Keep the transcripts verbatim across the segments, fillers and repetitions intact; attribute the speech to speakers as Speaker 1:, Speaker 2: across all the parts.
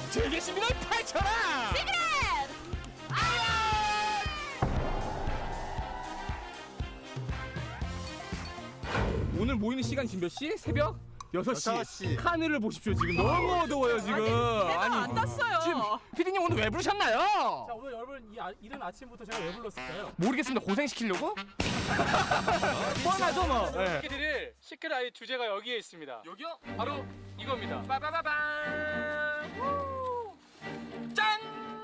Speaker 1: 즐길 시민을 펼쳐라.
Speaker 2: 시크릿
Speaker 1: 오늘 모이는 시간 지금 몇 시? 새벽 여섯 시.
Speaker 3: 여섯 시.
Speaker 1: 하늘을 보십시오. 지금 너무 어두워요 지금.
Speaker 2: 해가 안 떴어요.
Speaker 1: 지금 피디님 오늘 왜 부르셨나요?
Speaker 4: 자, 오늘 여러분 이 아, 이른 아침부터 제가 왜 불렀을까요?
Speaker 1: 모르겠습니다. 고생시키려고? 뻔하죠 뭐. 네.
Speaker 4: 드릴 시크릿 아이 주제가 여기에 있습니다.
Speaker 1: 여기요?
Speaker 4: 바로 이겁니다.
Speaker 1: 빠바바밤. 짠!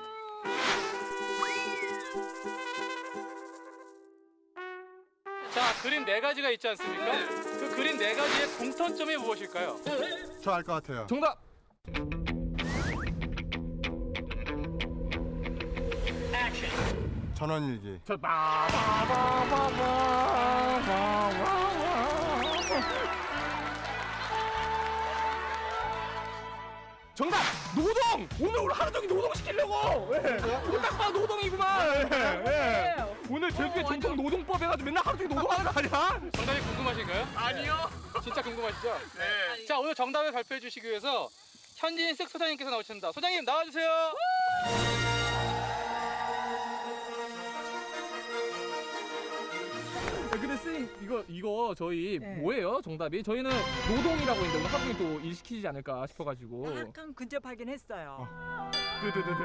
Speaker 4: 자, 그림 네 가지가 있지 않습니까? 그 그림 네 가지의 공통점이 무엇일까요?
Speaker 3: 저 알 것 같아요.
Speaker 1: 정답.
Speaker 3: 전원일기.
Speaker 1: 저 빠바바바바바바바. 정답! 노동! 오늘 오늘 하루 종일 노동 시키려고! 예. 이거 딱 봐, 노동이구만! 예. 예. 오늘 제주의 전통 노동법 해가지고 맨날 하루 종일 노동하는 거 아니야?
Speaker 4: 정답이 궁금하신가요?
Speaker 1: 아니요!
Speaker 4: 진짜 궁금하시죠?
Speaker 1: 네.
Speaker 4: 자, 오늘 정답을 발표해 주시기 위해서 현진 쓱 소장님께서 나오셨습니다. 소장님 나와주세요.
Speaker 1: 근데 쌤, 이거, 이거 저희
Speaker 5: 네.
Speaker 1: 뭐예요? 정답이? 저희는 노동이라고 했는데 오늘 하루 종일 또 일시키지 않을까 싶어가지고.
Speaker 5: 약간 근접하긴 했어요.
Speaker 1: 드드드드.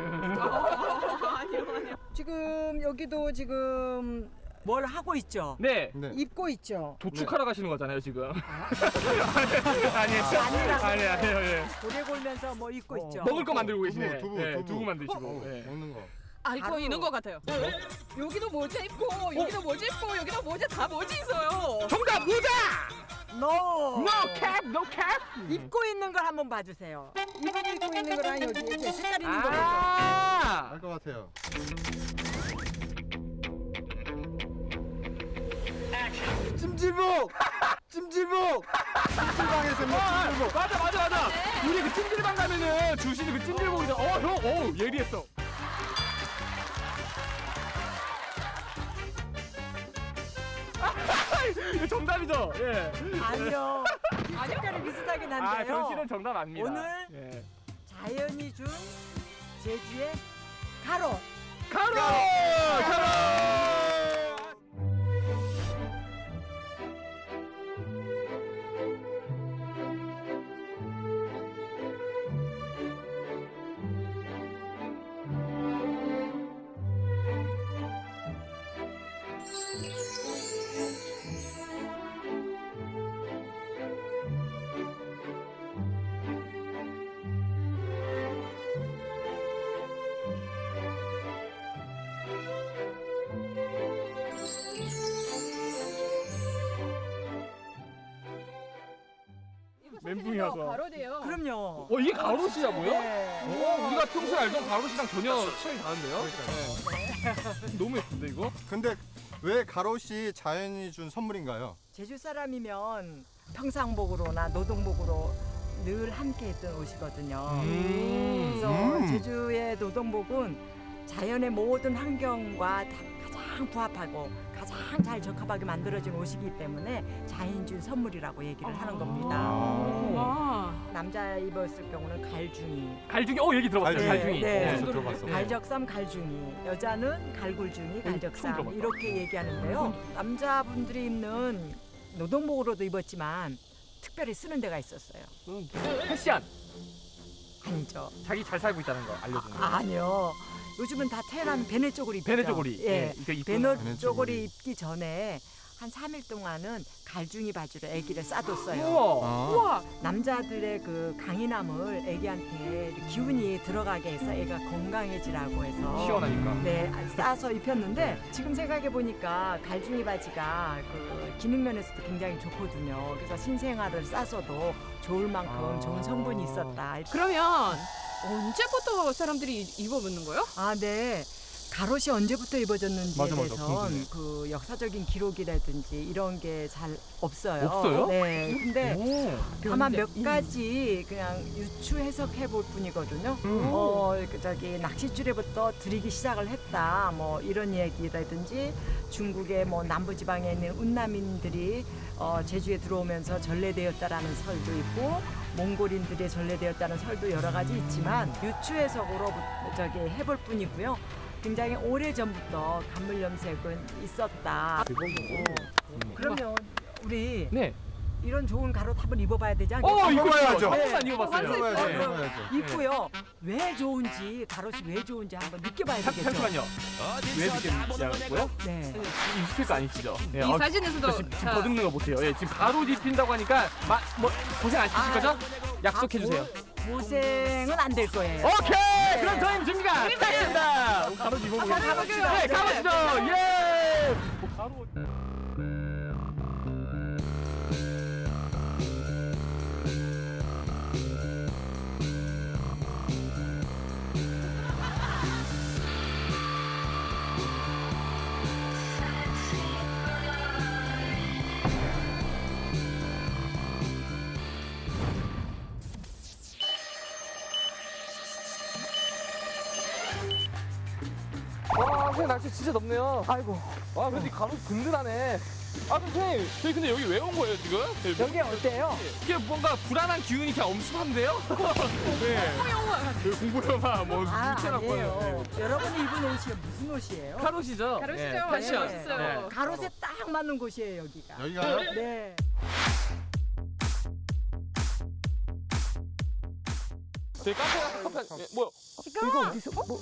Speaker 5: 지금 여기도 지금 뭘 하고 있죠?
Speaker 1: 네.
Speaker 3: 네.
Speaker 5: 입고 있죠?
Speaker 1: 도축하러 가시는 거잖아요, 지금. 아니에요.
Speaker 5: 아니라고.
Speaker 1: 아니, 아니에요, 예.
Speaker 5: 고래 골면서 뭐 입고
Speaker 3: 어,
Speaker 5: 있죠?
Speaker 1: 먹을 거 만들고
Speaker 3: 두부,
Speaker 1: 계시네.
Speaker 3: 두부,
Speaker 1: 네,
Speaker 3: 두부.
Speaker 1: 두부 만드시고.
Speaker 3: 어,
Speaker 1: 예.
Speaker 3: 먹는 거.
Speaker 2: 아 이거
Speaker 5: 바로.
Speaker 2: 있는 것 같아요. 여기도 모자 입고 여기도 모자 입고 여기도 모자 다 모자 있어요.
Speaker 1: 정답 모자!
Speaker 5: No!
Speaker 1: No cap, no cap.
Speaker 5: 입고 있는 걸 한번 봐주세요. 이분 입고 있는 거랑 여기 이렇게 색깔 있는 거 보죠?
Speaker 1: 아,
Speaker 3: 알 것 같아요. 찜질복! 찜질복! 찜질방에서 입는
Speaker 1: 아,
Speaker 3: 찜질복!
Speaker 1: 맞아, 맞아, 맞아. 우리 그 찜질방 가면은 주시는 그 찜질복이다. 어, 형, 어, 예리했어. 이거 정답이죠? 예.
Speaker 5: 아니요. 색깔이 비슷하긴
Speaker 1: 아,
Speaker 5: 한데요.
Speaker 1: 전 실은 정답 아닙니다.
Speaker 5: 오늘
Speaker 1: 예.
Speaker 5: 자연이 준 제주의 가로.
Speaker 1: 가로! 가로! 멘붕이 와서.
Speaker 2: 가로대요.
Speaker 5: 그럼요.
Speaker 1: 어, 이게 가로시라고요?
Speaker 5: 네.
Speaker 1: 어, 우리가 평소에 알던 가로시랑 전혀 차이 다른데요? 네. 너무 예쁜데 이거?
Speaker 3: 근데 왜 가로시 자연이 준 선물인가요?
Speaker 5: 제주 사람이면 평상복으로나 노동복으로 늘 함께했던 옷이거든요.
Speaker 1: 음.
Speaker 5: 그래서
Speaker 3: 음.
Speaker 5: 제주의 노동복은 자연의 모든 환경과 다 가장 부합하고 가장 잘 적합하게 만들어진 옷이기 때문에 자연이 준 선물이라고 얘기를 하는 겁니다.
Speaker 2: 와.
Speaker 5: 남자 입었을 경우는 갈중이,
Speaker 1: 갈중이, 어, 얘기 들어봤어요.
Speaker 3: 갈중이.
Speaker 1: 갈중이.
Speaker 5: 네.
Speaker 3: 어디서 들어봤어?
Speaker 1: 네.
Speaker 5: 갈적삼 갈중이, 여자는 갈굴중이,
Speaker 1: 처음
Speaker 5: 갈적삼
Speaker 1: 들어봤다.
Speaker 5: 이렇게 얘기하는데요. 남자분들이 입는 노동복으로도 입었지만 특별히 쓰는 데가 있었어요.
Speaker 1: 패션.
Speaker 5: 아니죠.
Speaker 1: 자기 잘 살고 있다는 거 알려주는 거.
Speaker 5: 아, 아니요. 요즘은 다 태어나면 베네 쪼그리 입죠.
Speaker 1: 베네 쪼그리.
Speaker 5: 예.
Speaker 1: 이거 이쁜-
Speaker 5: 베네
Speaker 3: 베네
Speaker 5: 쪼그리
Speaker 3: 쪼그리.
Speaker 5: 입기 전에 한 삼 일 동안은 갈중이 바지로 아기를 싸뒀어요.
Speaker 1: 우와.
Speaker 3: 아.
Speaker 2: 우와.
Speaker 5: 남자들의 그 강인함을 아기한테 기운이 들어가게 해서 애가 건강해지라고 해서
Speaker 1: 시원하니까.
Speaker 5: 네, 싸서 입혔는데 지금 생각해 보니까 갈중이 바지가 그 기능 면에서도 굉장히 좋거든요. 그래서 신생아를 싸서도 좋을 만큼
Speaker 1: 아.
Speaker 5: 좋은 성분이 있었다.
Speaker 2: 그러면 언제부터 사람들이 입어보는 거예요?
Speaker 5: 아, 네. 가롯이 언제부터 입어졌는지에
Speaker 1: 맞아, 맞아.
Speaker 5: 대해서는
Speaker 1: 궁금해.
Speaker 5: 그 역사적인 기록이라든지 이런 게 잘 없어요.
Speaker 1: 없어요?
Speaker 5: 네. 근데
Speaker 1: 오.
Speaker 5: 다만 몇 가지 그냥 유추 해석해 볼 뿐이거든요. 어, 그 저기 낚싯줄에부터 들이기 시작을 했다. 뭐 이런 얘기라든지 중국의 뭐 남부 지방에 있는 운남인들이 어, 제주에 들어오면서 전래되었다라는 설도 있고 몽골인들이 전래되었다는 설도 여러 가지 있지만 유추 해석으로 저기 해볼 뿐이고요. 굉장히 오래 전부터 간물 염색은 있었다. 어, 그러면 우리
Speaker 1: 네.
Speaker 5: 이런 좋은 가롯 한번 입어봐야 되지 않겠어요?
Speaker 1: 어, 이거
Speaker 3: 입어봐야죠.
Speaker 1: 한 번만
Speaker 5: 네.
Speaker 1: 입어봤어요.
Speaker 3: 입어봐야죠,
Speaker 1: 네.
Speaker 3: 입어봐야죠.
Speaker 5: 입고요. 왜 좋은지 가롯이 왜 좋은지 한번 느껴봐야
Speaker 1: 잠-
Speaker 5: 되겠죠.
Speaker 1: 잠시만요. 왜 느꼈냐고요?
Speaker 5: 네.
Speaker 1: 익숙할 거 아니시죠? 네.
Speaker 2: 이
Speaker 1: 어,
Speaker 2: 사진에서도
Speaker 1: 지금, 지금
Speaker 2: 자,
Speaker 1: 더듬는 거 보세요. 예, 지금 가로 입힌다고 하니까 마, 뭐 고생 안 시키실 거죠? 약속해 주세요.
Speaker 5: 고생은 안 될 거예요.
Speaker 1: 오케이. 그럼 저희는 준비가 됐습니다. 가로 입어보겠습니다.
Speaker 5: 한번 가봅시다.
Speaker 1: 네, 가보시죠. 예. 뭐 가로. 와, 선생님 날씨 진짜 덥네요.
Speaker 5: 아이고
Speaker 1: 아, 근데 가로 든든하네. 아, 선생님, 저희 근데 여기 왜 온 거예요, 지금?
Speaker 5: 여기 어때요?
Speaker 1: 이게 뭔가 불안한 기운이 이렇게 엄습한데요? 네. 그 공부 영화, 뭐,
Speaker 5: 아
Speaker 1: 물체라고
Speaker 5: 아니에요. 여러분이 입은 옷이 무슨 옷이에요?
Speaker 1: 가로시죠?
Speaker 2: 가로시죠?
Speaker 1: 네,
Speaker 2: 네,
Speaker 1: 패션.
Speaker 2: 멋있어요.
Speaker 1: 네.
Speaker 5: 가롯에 딱 맞는 곳이에요 여기가.
Speaker 3: 여기가요?
Speaker 5: 네.
Speaker 1: 저희 카페 가서 커피 한, 예, 뭐야?
Speaker 5: 이거 어디서? 뭐?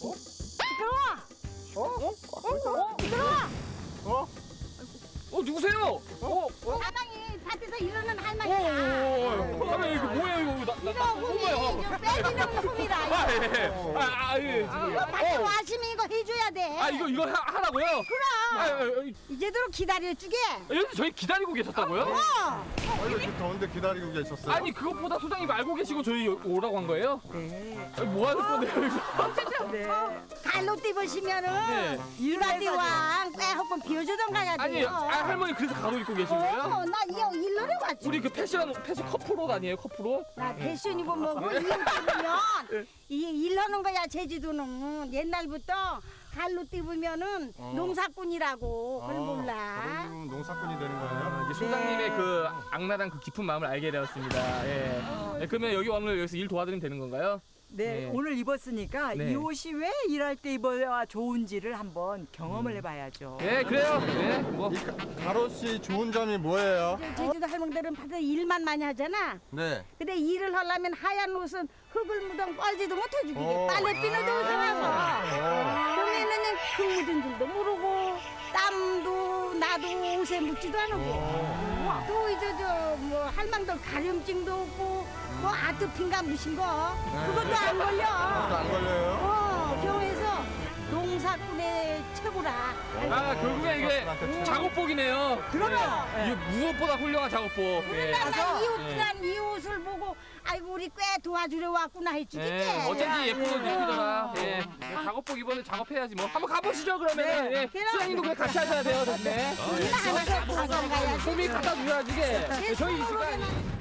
Speaker 3: 어?
Speaker 1: 어, 누구세요? 어, 어?
Speaker 6: 사방이 밭에서 일하는
Speaker 1: 오,
Speaker 6: 할머니야.
Speaker 1: 오, 오, 아, 이거 뭐예요, 이거? 나, 나, 나,
Speaker 6: 이거 빼기는 놈이다.
Speaker 1: 아, 예, 예. 아, 아, 예, 지금.
Speaker 6: 밭에
Speaker 1: 어.
Speaker 6: 왔으면 이거 해줘야 돼.
Speaker 1: 아, 이거, 이거 하, 하라고요?
Speaker 6: 그럼
Speaker 1: 아, 아, 아,
Speaker 6: 이제대로 기다려주게.
Speaker 1: 여기 저희 기다리고 계셨다고요?
Speaker 6: 어.
Speaker 3: 아, 이거 지금 더운데 기다리고 계셨어요?
Speaker 1: 아니, 그것보다 소장님 알고 계시고 저희 오라고 한 거예요?
Speaker 5: 네.
Speaker 1: 아니, 뭐 하는 건데요, 이거?
Speaker 5: 네.
Speaker 6: 갈로
Speaker 1: 네.
Speaker 6: 입으시면은 유라디왕 빼하고 비워주던가 해야
Speaker 1: 아니,
Speaker 6: 돼요.
Speaker 1: 아, 할머니 그래서 가로 입고 계신 거예요?
Speaker 6: 어, 나 이거 일러러 왔지.
Speaker 1: 우리 그 패션, 패션 커플옷 아니에요, 커플옷?
Speaker 6: 나 패션이고 뭐고 이거 입으면 이게 일러는 거야. 제주도는 옛날부터 갈로 입으면은
Speaker 3: 어.
Speaker 6: 농사꾼이라고 그걸 몰라.
Speaker 3: 그럼 농사꾼이 되는 거예요?
Speaker 1: 이제 소장님의 그 악랄한 그 깊은 마음을 알게 되었습니다. 예. 네, 그러면 여기 오늘 여기서 일 도와드리면 되는 건가요?
Speaker 5: 네,
Speaker 1: 네.
Speaker 5: 오늘 입었으니까
Speaker 1: 네.
Speaker 5: 이 옷이 왜 일할 때 입어야 좋은지를 한번 경험을 해봐야죠.
Speaker 1: 네, 그래요. 네, 뭐.
Speaker 3: 이 가- 가롯이 좋은 점이 뭐예요?
Speaker 6: 제주도 할머니들은 밭에 일만 많이 하잖아.
Speaker 3: 네.
Speaker 6: 근데 일을 하려면 하얀 옷은 흙을 묻은 뻘지도 못해주게
Speaker 3: 어.
Speaker 6: 빨래비누도 우선하고 그러면은 흙 묻은 줄도 모르고 땀도 나도 옷에 묻지도 않고 또 이제 저 뭐 할망들 가려움증도 없고 뭐 아토피인가 무신 거 그것도 안 걸려.
Speaker 3: 그것도 안 걸려요?
Speaker 6: 어 경에서 농사꾼의 최고라.
Speaker 1: 아, 결국에 이게 작업복이네요.
Speaker 6: 그러면.
Speaker 1: 네. 이게 무엇보다 훌륭한 작업복. 네.
Speaker 6: 난 이 옷,
Speaker 1: 네.
Speaker 6: 난 이 옷을 보고 아이고 우리 꽤 도와주려 왔구나 했지.
Speaker 1: 네, 어쩐지 예쁜 옷 입히더라. 예. 네, 작업복 입었는데 작업해야지 뭐. 한번 가보시죠, 그러면. 예. 수장님도 그냥 같이 하셔야 돼요, 네.
Speaker 6: 우리는 하나씩 가져가야지.
Speaker 1: 소미 갖다 줘야지, 이게. 네, 저희 이 시간.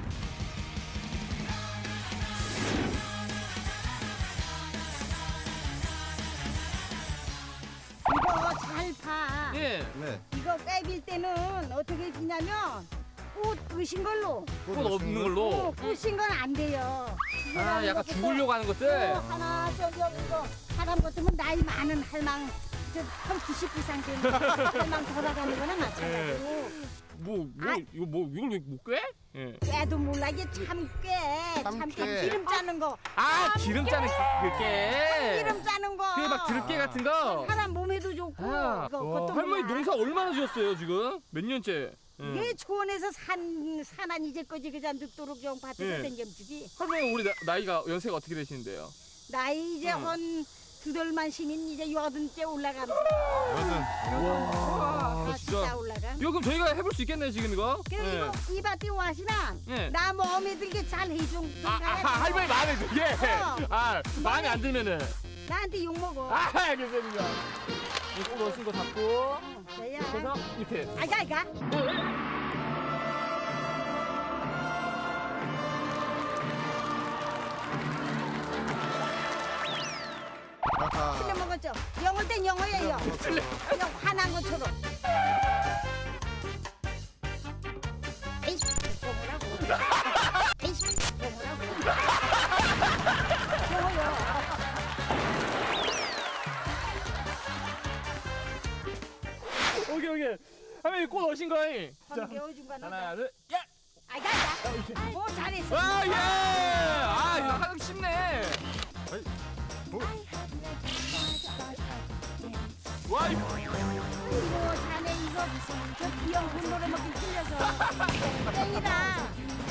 Speaker 6: 이거 잘 봐.
Speaker 1: 예.
Speaker 3: 네.
Speaker 6: 이거 꿰빌 때는 어떻게 비냐면 꽃 으신 걸로.
Speaker 1: 꽃 없는 걸로.
Speaker 6: 어, 꽃인 건 안 돼요.
Speaker 1: 아, 약간 죽으려고 하는 것들.
Speaker 6: 어, 하나 저기 여기 이거 사람 같으면 나이 많은 할망 저한 구십 이상 된 할망 돌아가는 거나 마찬가지고.
Speaker 1: 뭐, 뭐, 이거 뭐, 이걸 왜 못 꿰? 예.
Speaker 6: 꿰도 몰라 이게 참깨. 참깨
Speaker 3: 참깨.
Speaker 6: 기름 짜는 거.
Speaker 1: 아, 기름 짜는 그 깨.
Speaker 6: 기름 짜는 거.
Speaker 1: 그게 막 들깨 같은 거.
Speaker 6: 사람 몸에도 좋고.
Speaker 1: 아,
Speaker 6: 그거,
Speaker 1: 와,
Speaker 6: 그것도
Speaker 1: 할머니
Speaker 6: 몰라.
Speaker 1: 농사 얼마나 지었어요, 지금? 몇 년째? 예.
Speaker 6: 이게 초원에서 산 산한 이제까지 그냥 늙도록 좀 밭에서
Speaker 1: 예.
Speaker 6: 댕겨주기.
Speaker 1: 할머니 우리 나, 나이가 연세가 어떻게 되시는데요?
Speaker 6: 나이 이제
Speaker 1: 응.
Speaker 6: 한 두덜만 신인 이제 여든째 올라가면서
Speaker 3: 여든.
Speaker 1: 와,
Speaker 6: 다 진짜 올라가.
Speaker 1: 이거 그럼 저희가 해볼 수 있겠네요, 지금 이거?
Speaker 6: 그래 이거 이 밭에 와시면
Speaker 1: 예.
Speaker 6: 나 마음에 들게 잘 해준
Speaker 1: 아, 아, 할머니 마음에 들게?
Speaker 6: 어.
Speaker 1: 아, 마음에 안 들면은?
Speaker 6: 나한테 욕 먹어.
Speaker 1: 아, 알겠습니다. 이거 넣으신 거 잡고
Speaker 6: 저야.
Speaker 1: 그래서 이렇게.
Speaker 6: 아이가 아이가.
Speaker 3: 아하.
Speaker 6: 틀려 먹었죠. 영어 땐 영어예요. 그냥 화난 것처럼. 에이씨, 영어라고. 에이씨, 영어라고. 영어요.
Speaker 1: 오케이 오케이. 하면 꽃 넣으신 거이.
Speaker 6: 한 개워준 거
Speaker 1: 하나
Speaker 6: 넣어.
Speaker 1: 둘. 야.
Speaker 6: 아이가 아이가. 오 잘했어.
Speaker 1: 아 예. 아 이거 하기 쉽네. 와 이거.
Speaker 6: 이거 자네 이거 저 비형 분노를 먹기 틀려서 땡이다.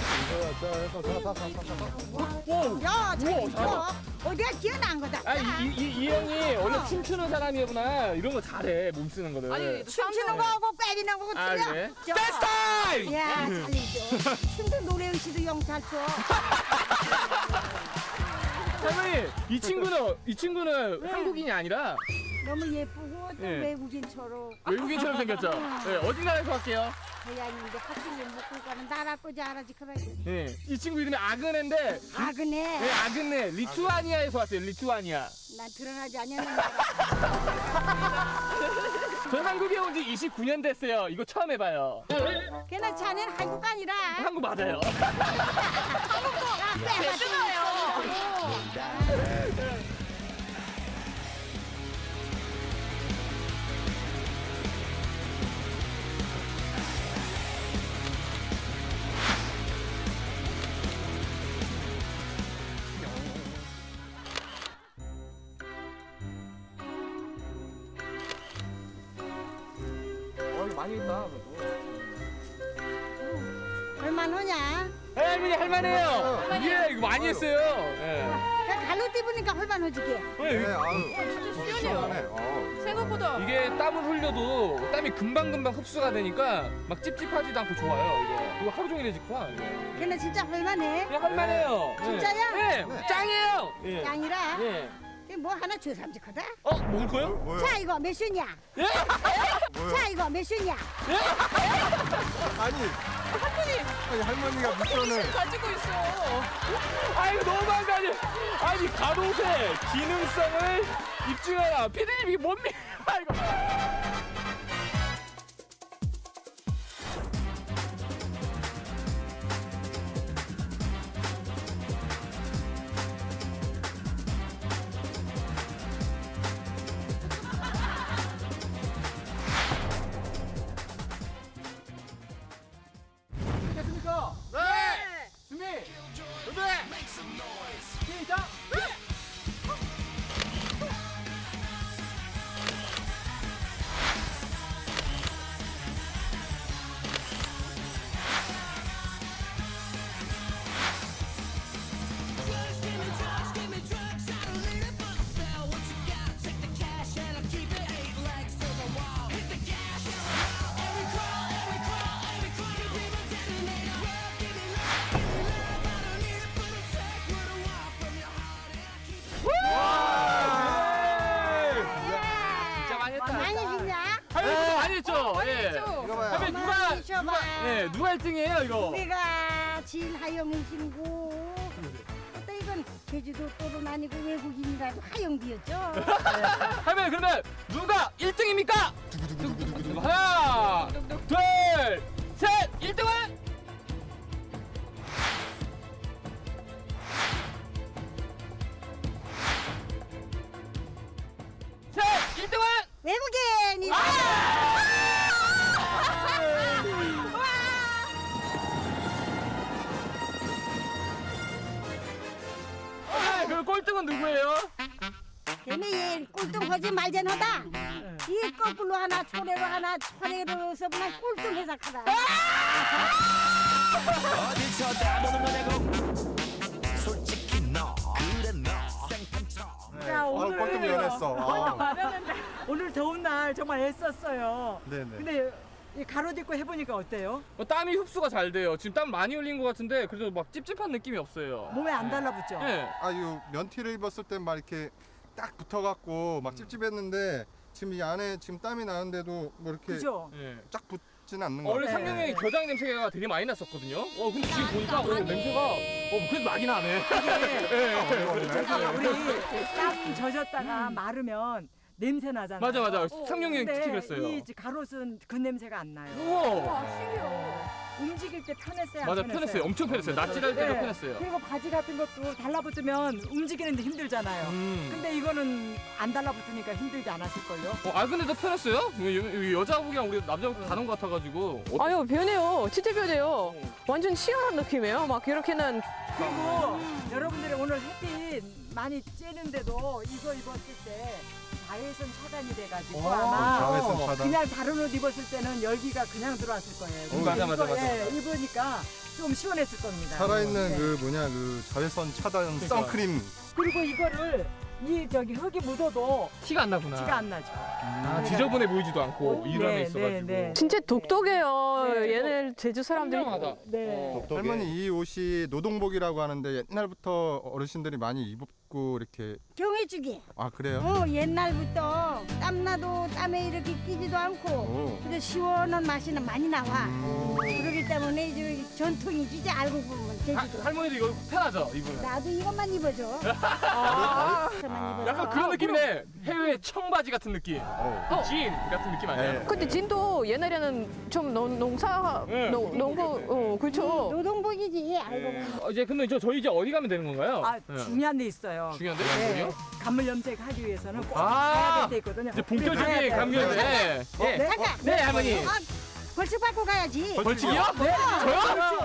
Speaker 1: 오.
Speaker 6: 야, 저
Speaker 1: 우와,
Speaker 6: 이거 어디가 기어난 거다.
Speaker 1: 아이 이, 이, 이 형이 원래
Speaker 6: 어.
Speaker 1: 춤추는 사람이구나. 이런 거 잘해 몸 쓰는 거를.
Speaker 2: 아니
Speaker 6: 춤추는 거하고 꿰리는 거하고
Speaker 1: 아,
Speaker 6: 틀려.
Speaker 1: 그래?
Speaker 6: 저-
Speaker 1: 댄스 타임!
Speaker 6: 야, 잘리죠. 춤도 노래영 씨도 영 잘 춰.
Speaker 1: 할머니 이 친구는 이 친구는
Speaker 6: 네.
Speaker 1: 한국인이 아니라
Speaker 6: 너무 예쁘고 또
Speaker 1: 예.
Speaker 6: 외국인처럼.
Speaker 1: 외국인처럼 생겼죠. 네, 어디 나라에서 왔게요?
Speaker 6: 고양이인데 학교를 먹고 가는 나라 거지 알아지 그래.
Speaker 1: 네, 이 친구 이름이 아그네인데
Speaker 6: 아 그네.
Speaker 1: 네, 아그네 리투아니아에서 왔어요. 리투아니아.
Speaker 6: 난 드러나지 않는 나라.
Speaker 1: 전 한국에 온 지 이십구 년 됐어요. 이거 처음 해봐요.
Speaker 6: 걔는 자네는 한국 아니라.
Speaker 1: 한국 맞아요. 어, 이거 많이 했다.
Speaker 6: 얼마나 하냐?
Speaker 1: 할머니 할만해요. 예, 이거 많이 했어요. 예.
Speaker 6: 그냥 갈로 띠부니까 얼마나 하지게.
Speaker 1: 네,
Speaker 3: 네, 아유.
Speaker 2: 진짜 시원해요.
Speaker 3: 시원하네. 어.
Speaker 2: 생각보다.
Speaker 1: 이게 땀을 흘려도 땀이 금방금방 흡수가 되니까 막 찝찝하지도 않고 좋아요. 이거 이거 하루 종일 해지구나. 이거.
Speaker 6: 걔는 진짜 얼마네.
Speaker 1: 그냥 할만해요. 예.
Speaker 6: 진짜야?
Speaker 1: 네,
Speaker 3: 네.
Speaker 1: 짱이에요. 예.
Speaker 6: 짱이라.
Speaker 1: 예.
Speaker 6: 걔뭐 하나 주삼직하다.
Speaker 1: 어, 먹을
Speaker 3: 뭐,
Speaker 1: 거요?
Speaker 3: 뭐요?
Speaker 6: 자 이거 몇 슈냐?
Speaker 1: 예?
Speaker 3: 뭐요?
Speaker 6: 자 이거 몇 슈냐?
Speaker 3: 아니. 아니 할머니가 미션을.
Speaker 2: 가지고 있어.
Speaker 1: 아, 이거 너무한 거 아니에요? 아니, 가로세 기능성을 입증하라. 피디님 이게 뭔 미? 아, 이거. 됐습니까? 네. 준비. 준비. 시작. 진짜 많이 했다.
Speaker 6: 많이 했냐?
Speaker 1: 할머니 많이 했죠? 예.
Speaker 3: 이거 봐요.
Speaker 1: 할머니 누가
Speaker 6: 많이
Speaker 1: 누가
Speaker 6: 해줘봐.
Speaker 1: 예, 누가 일 등이에요, 이거?
Speaker 6: 우리가 진 하영이신고 또 이건 제주도 또는 아니고 외국인이라도 하영비였죠.
Speaker 1: 할머니 그러면 누가 일 등입니까? 하나, 둘, 셋, 일 등은 셋, 일 등은
Speaker 6: 외국인이.
Speaker 1: 아, 그럼 꼴등은 누구예요?
Speaker 6: 걔네 얘 꼴등하지 말잖아다. 이 거꾸로 하나 초래로 하나 초래로서 그냥 꼴등 해석하다.
Speaker 7: 어딜 쳐다보는 거냐고 솔직히 너 그래 너 생판처럼
Speaker 5: 자,
Speaker 3: 아,
Speaker 5: 오늘
Speaker 3: 꼴등 면했어. 아.
Speaker 5: 마련했는데 오늘 더운 날 정말 애썼어요.
Speaker 3: 네네.
Speaker 5: 근데 이 가로짓고 해보니까 어때요?
Speaker 1: 어, 땀이 흡수가 잘 돼요. 지금 땀 많이 흘린 것 같은데 그래도 막 찝찝한 느낌이 없어요.
Speaker 5: 몸에 안 달라붙죠?
Speaker 1: 네.
Speaker 3: 아유 면티를 입었을 땐 막 이렇게 딱 붙어갖고 막 찝찝했는데 지금 이 안에 지금 땀이 나는데도 뭐 이렇게
Speaker 5: 그죠?
Speaker 1: 예.
Speaker 3: 쫙 붙지는 않는 것
Speaker 1: 원래
Speaker 3: 같아요.
Speaker 1: 상경형이 겨장 냄새가 되게 많이 났었거든요. 어 근데 지금 보니까 어, 냄새가 어 그래도 나긴 하네.
Speaker 5: 우리 땀 젖었다가 마르면 냄새 나잖아요.
Speaker 1: 맞아 맞아. 상경형이
Speaker 5: 근데
Speaker 1: 특히 그랬어요.
Speaker 5: 이 가롯은 그 냄새가 안 나요.
Speaker 1: 우와.
Speaker 5: 움직일 때 편했어요. 안
Speaker 1: 맞아
Speaker 5: 편했어요?
Speaker 1: 편했어요. 엄청 편했어요. 낯질할 때가
Speaker 5: 네.
Speaker 1: 편했어요.
Speaker 5: 그리고 바지 같은 것도 달라붙으면 움직이는데 힘들잖아요.
Speaker 1: 음.
Speaker 5: 근데 이거는 안 달라붙으니까 힘들지 않았을걸요?
Speaker 1: 어, 아 근데 더 편했어요? 여- 여- 여자복이랑 우리 남자복 다른 것 같아가지고. 어,
Speaker 2: 아유 변해요. 진짜 변해요. 완전 시원한 느낌이에요. 막 이렇게는
Speaker 5: 그리고 여러분들이 오늘 햇빛 많이 쬐는데도 이거 입었을 때 자외선 차단이 돼가지고
Speaker 1: 오,
Speaker 5: 아마
Speaker 3: 자외선 차단.
Speaker 5: 그냥 다른 옷 입었을 때는 열기가 그냥 들어왔을 거예요.
Speaker 1: 음, 맞아, 맞아,
Speaker 5: 이거,
Speaker 1: 맞아,
Speaker 5: 예, 입으니까 좀 시원했을 겁니다.
Speaker 3: 살아있는
Speaker 5: 네.
Speaker 3: 그 뭐냐 그 자외선 차단
Speaker 1: 그러니까.
Speaker 3: 선크림.
Speaker 5: 그리고 이거를 이 저기 흙이 묻어도
Speaker 1: 티가 안 나구나.
Speaker 5: 티가 안 나죠.
Speaker 1: 아 지저분해 보이지도 않고 이 안에
Speaker 5: 네,
Speaker 1: 있어가지고.
Speaker 5: 네, 네.
Speaker 2: 진짜 독특해요.
Speaker 5: 네.
Speaker 2: 얘네 제주 사람들이.
Speaker 1: 현명하다.
Speaker 5: 네.
Speaker 3: 할머니 이 옷이 노동복이라고 하는데 옛날부터 어르신들이 많이 입고 이렇게
Speaker 6: 경해주기.
Speaker 3: 아 그래요?
Speaker 6: 어, 옛날부터 땀나도 땀에 이렇게 끼지도 않고
Speaker 3: 오.
Speaker 6: 그래서 시원한 맛이는 많이 나와.
Speaker 3: 음.
Speaker 6: 그렇기 때문에 이제 전통이지 알고 보면
Speaker 1: 하,
Speaker 6: 제주도.
Speaker 1: 할머니도 이거 편하죠 입으면.
Speaker 6: 나도 이것만 입어줘.
Speaker 3: 아.
Speaker 6: 이것만 입어줘.
Speaker 1: 약간 그런 느낌이네. 해외 청바지 같은 느낌.
Speaker 3: 어.
Speaker 1: 진 같은 느낌 아니야?
Speaker 3: 네.
Speaker 2: 근데 진도 옛날에는 좀 농, 농사
Speaker 1: 네.
Speaker 2: 농, 농부 어 그렇죠.
Speaker 6: 노동복이지 알고 보면.
Speaker 1: 어, 이제 근데 저 저희 이제 어디 가면 되는 건가요?
Speaker 5: 아
Speaker 1: 네.
Speaker 5: 중요한 데 있어요.
Speaker 1: 중요한데
Speaker 5: 네.
Speaker 1: 어디요?
Speaker 5: 간물 염색하기 위해서는 꼭
Speaker 1: 아.
Speaker 5: 가야 될 데 있거든요.
Speaker 1: 이제
Speaker 5: 가야
Speaker 1: 본격적인
Speaker 5: 돼요.
Speaker 1: 감면.
Speaker 5: 네.
Speaker 1: 네. 네.
Speaker 5: 네.
Speaker 6: 잠깐.
Speaker 1: 네 할머니.
Speaker 6: 아, 벌칙 받고 가야지.
Speaker 1: 벌칙이요?
Speaker 5: 네.
Speaker 1: 저요?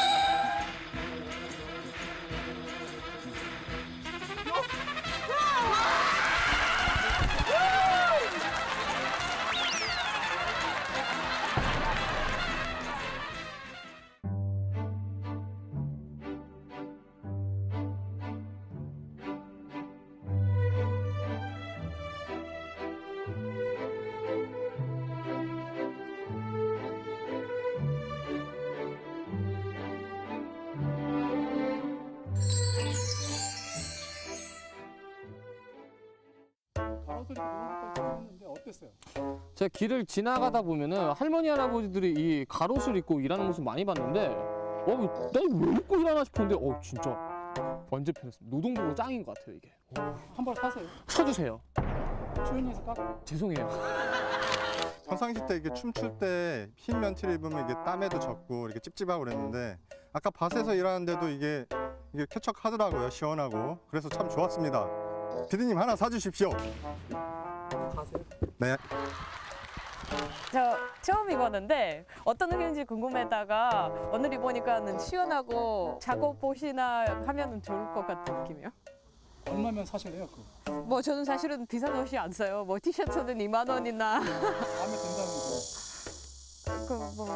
Speaker 1: 제가 길을 지나가다 보면은 할머니 할아버지들이 이 가롯을 입고 일하는 모습 많이 봤는데 어, 나왜 입고 일하나 싶었는데 어 진짜 완전 편했습니다. 노동복으로 짱인 것 같아요 이게.
Speaker 8: 한 벌 사세요.
Speaker 1: 쳐주세요.
Speaker 8: 초연해서 깎아.
Speaker 1: 죄송해요.
Speaker 3: 평상시 때 이게 춤출 때 흰 면티를 입으면 이게 땀에도 젖고 이렇게 찝찝하고 그랬는데 아까 밭에서 일하는데도 이게 이게 쾌척하더라고요. 시원하고. 그래서 참 좋았습니다. 피디님 하나 사주십시오.
Speaker 8: 가세요.
Speaker 3: 네.
Speaker 2: 저 처음 입었는데 어떤 느낌인지 궁금했다가 오늘 입으니까는 시원하고 작업옷이나 하면은 좋을 것 같은 느낌이요.
Speaker 8: 얼마면 사실래요? 그거
Speaker 2: 뭐 저는 사실은 비싼 옷이 안 써요. 뭐 티셔츠는 이만 원이나
Speaker 8: 마음에 든다면 뭐.
Speaker 2: 그 뭐.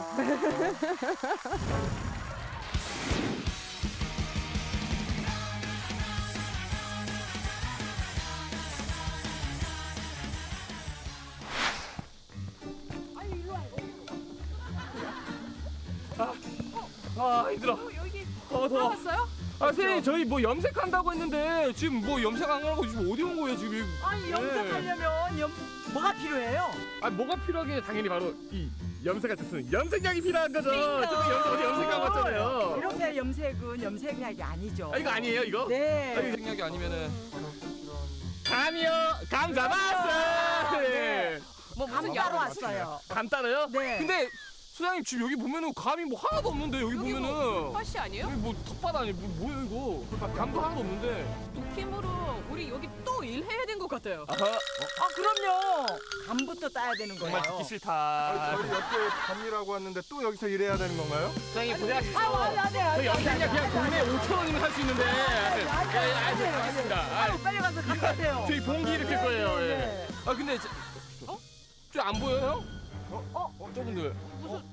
Speaker 1: 아 힘들어. 어 더워.
Speaker 2: 왔어요?
Speaker 1: 아 선생님 저희 뭐 염색한다고 했는데 지금 뭐 염색 안 하고 지금 어디 온 거예요 지금?
Speaker 5: 아니 염색하려면 염 뭐가 필요해요?
Speaker 1: 아 뭐가 필요하게 당연히 바로 이 염색할 때 쓰는 염색약이 필요한 거죠. 저도 염색 어디 염색하고 왔잖아요.
Speaker 5: 이렇게 염색은 염색약이 아니죠.
Speaker 1: 아 이거 아니에요 이거?
Speaker 5: 네.
Speaker 1: 아, 이거 염색약이 아니면은 감이요. 감 잡았어. 네.
Speaker 2: 뭐
Speaker 5: 감
Speaker 2: 무슨
Speaker 5: 따로
Speaker 2: 약
Speaker 5: 왔어요.
Speaker 1: 감 따로요?
Speaker 5: 네.
Speaker 1: 근데 소장님 지금 여기 보면은 감이 뭐 하나도 없는데 여기,
Speaker 2: 여기
Speaker 1: 보면은
Speaker 2: 뭐 팥이 아니에요?
Speaker 1: 여기 뭐 텃밭 아니 뭐 뭐예요 이거? 감도 하나도 없는데.
Speaker 2: 느낌으로 우리 여기 또 일해야 된 것 같아요.
Speaker 1: 아하.
Speaker 5: 아 그럼요. 감부터 따야 되는 거예요.
Speaker 1: 정말 듣기 싫다.
Speaker 3: 저희 옆에 밤이라고 왔는데 또 여기서 일해야 되는 건가요?
Speaker 1: 소장님 고생하셨어.
Speaker 5: 아, 안 돼, 안 돼, 안
Speaker 1: 저
Speaker 5: 돼.
Speaker 1: 염색약 그냥 돈에 오천 원이면 할 수 있는데.
Speaker 5: 안 돼, 안 돼,
Speaker 1: 예,
Speaker 5: 안 돼, 안 돼.
Speaker 1: 알겠습니다. 아,
Speaker 5: 빨리 가서 갖다 대요.
Speaker 1: 저희 봉기 이렇게 거예요.
Speaker 5: 네,
Speaker 1: 예.
Speaker 5: 네.
Speaker 1: 아 근데 저, 어? 저 안 보여요? 어? 어? 어? 저분들. 무슨?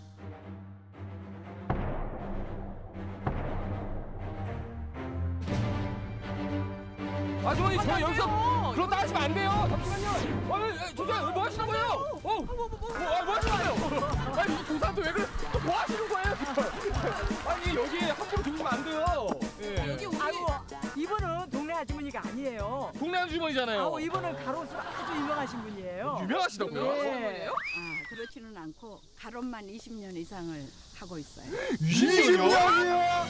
Speaker 1: 아주머니 저 여기서 그렇다 하시면 안 돼요. 잠시만요. 아니, 아니, 조장 뭐 하시는 거예요? 어? 뭐, 뭐, 뭐, 아, 뭐 하시는 거예요? 아니 이 조사한테 왜 그래? 뭐 하시는 거예요? 아니 여기 함부로 들으시면 안 돼요. 예.
Speaker 2: 여기 우리
Speaker 5: 아이고 이분은 동네 아주머니가 아니에요.
Speaker 1: 동네 아주머니잖아요.
Speaker 5: 아, 이분은 가로수 아주 유명하신 분이에요.
Speaker 1: 유명하시다고요?
Speaker 5: 예.
Speaker 9: 아, 그렇지는 않고 가론만 이십 년 이상을 하고 있어요.
Speaker 1: 이십 년이요?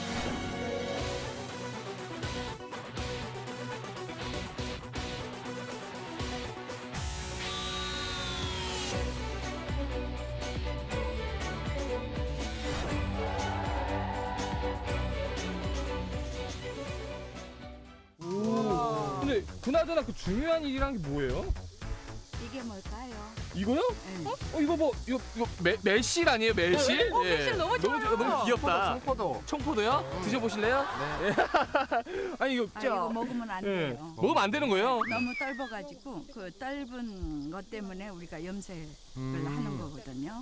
Speaker 1: 근데 그나저나 그 중요한 일이란 게 뭐예요?
Speaker 9: 이게 뭘까요?
Speaker 1: 이거요?
Speaker 9: 네.
Speaker 1: 어 이거 뭐 이거 이거 매, 매실 아니에요 매실?
Speaker 2: 어, 매실 너무 좋아요.
Speaker 1: 너무, 너무 귀엽다.
Speaker 3: 청포도.
Speaker 1: 청포도요? 드셔보실래요? 네. 아니 이거
Speaker 9: 아, 이거 먹으면 안
Speaker 1: 예.
Speaker 9: 돼요.
Speaker 1: 먹으면 안 되는 거예요?
Speaker 9: 너무 떫어가지고 그 떫은 것 때문에 우리가 염색을
Speaker 1: 음.
Speaker 9: 하는 거거든요.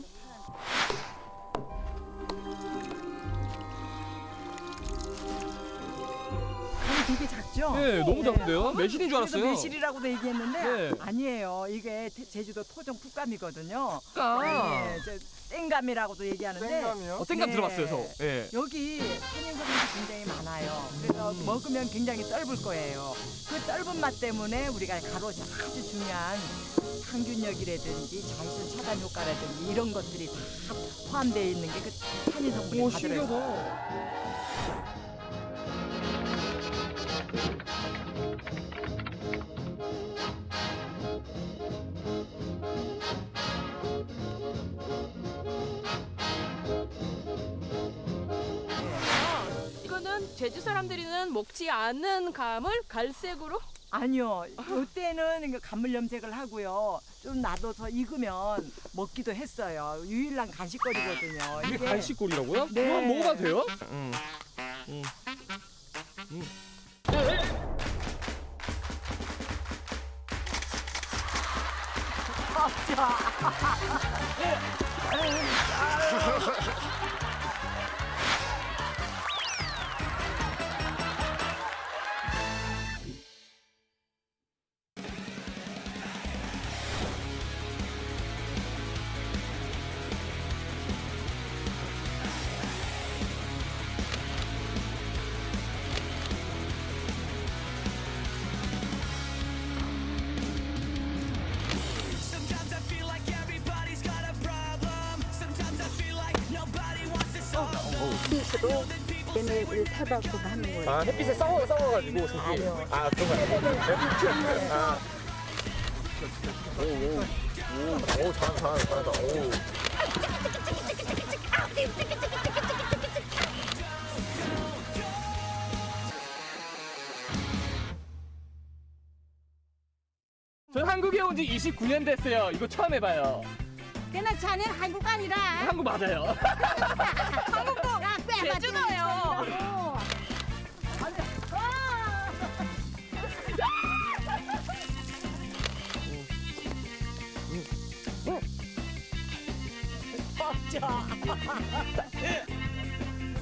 Speaker 5: 되게 작죠?
Speaker 1: 네, 너무 작은데요? 매실인 줄
Speaker 5: 그래서
Speaker 1: 알았어요.
Speaker 5: 매실이라고도 얘기했는데
Speaker 1: 네.
Speaker 5: 아니에요. 이게 태- 제주도 토종 풋감이거든요.
Speaker 1: 아.
Speaker 5: 네, 저 땡감이라고도 얘기하는데
Speaker 3: 땡감이요?
Speaker 1: 어, 땡감
Speaker 5: 네.
Speaker 1: 들어봤어요, 저. 예.
Speaker 5: 여기 탄닌성분이 굉장히 많아요. 그래서 먹으면 굉장히 떫을 거예요. 그 떫은 맛 때문에 우리가 가로시 아주 중요한 항균력이라든지 자외선 차단 효과라든지 이런 것들이 다 포함되어 있는 게 그 탄닌 성분이
Speaker 1: 오,
Speaker 5: 다 들어있어요.
Speaker 1: 신기하다.
Speaker 2: 이거는 제주 사람들이는 먹지 않는 감을 갈색으로
Speaker 5: 아니요. 이때는 이거 간물 염색을 하고요. 좀 놔둬서 익으면 먹기도 했어요. 유일한 간식거리거든요.
Speaker 1: 이게 간식거리라고요?
Speaker 5: 네.
Speaker 1: 그럼 먹어봐도 돼요? 응. 응. 응.
Speaker 7: Sometimes I feel like everybody's got a problem. Sometimes I feel like nobody wants to solve them.
Speaker 6: 얘네를 타박고 하는 거예요.
Speaker 1: 아, 햇빛에 싸워, 싸워가지고, 속이. 아, 그런 거야. 아. 오, 오. 오, 오, 잘한다, 잘한다, 잘한다. 오. 전 한국에 온 지 이십구 년 됐어요. 이거 처음 해봐요.
Speaker 6: 그냥 자네 한국 아니라
Speaker 1: 한국 맞아요.
Speaker 6: 한국도
Speaker 2: 제주도예요.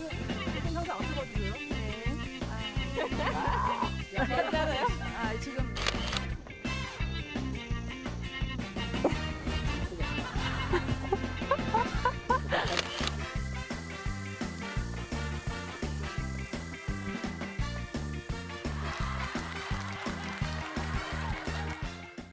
Speaker 9: 아, 지금